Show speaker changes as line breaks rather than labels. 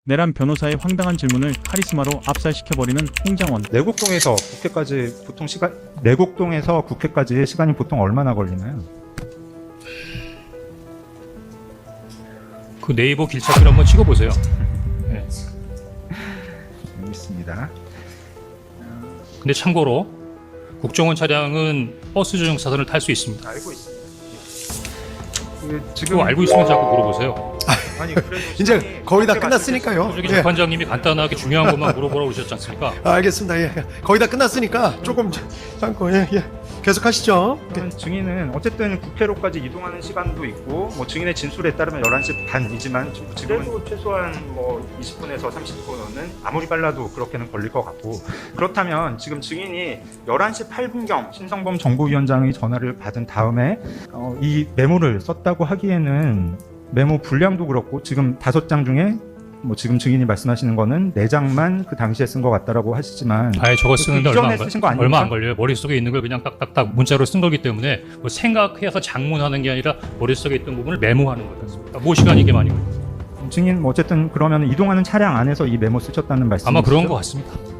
내란 변호사의 황당한 질문을 카리스마로 압살시켜버리는 홍장원.
내곡동에서 국회까지 시간이 보통 얼마나 걸리나요?
그 네이버 길찾기를 한번 찍어보세요. 네.
있습니다.
근데 참고로 국정원 차량은 버스 전용 차선을 탈 수 있습니다.
알고 있습니다.
그거 알고 있으면 자꾸 물어보세요.
아니 그래도
이제 거의 다 끝났으니까요.
저기
예.
재판장님이 간단하게 중요한 것만 물어보라고 그러셨지 않습니까?
알겠습니다. 예. 거의 다 끝났으니까 조금 참고 예. 계속 하시죠.
증인은 어쨌든 국회로까지 이동하는 시간도 있고 뭐 증인의 진술에 따르면 11시 반이지만 지금은 최소한 뭐 20분에서 30분은 아무리 빨라도 그렇게는 걸릴 것 같고, 그렇다면 지금 증인이 11시 8분경 신성범 정보위원장의 전화를 받은 다음에 이 메모를 썼다고 하기에는 메모 분량도 그렇고 지금 5장 중에 뭐 지금 증인이 말씀하시는 거는 4장만 그 당시에 쓴 것 같다라고 하시지만
아예 저거 쓰는데
이전에 쓰신 거 아닙니까?
얼마 안 걸려요. 머릿속에 있는 걸 그냥 딱딱딱 문자로 쓴 거기 때문에 뭐 생각해서 장문하는 게 아니라 머릿속에 있던 부분을 메모하는 거였습니다. 뭐 시간이 이게 많이 걸려요.
증인 뭐 어쨌든 그러면 이동하는 차량 안에서 이 메모 쓰셨다는 말씀이시죠?
아마 그런 것 같습니다.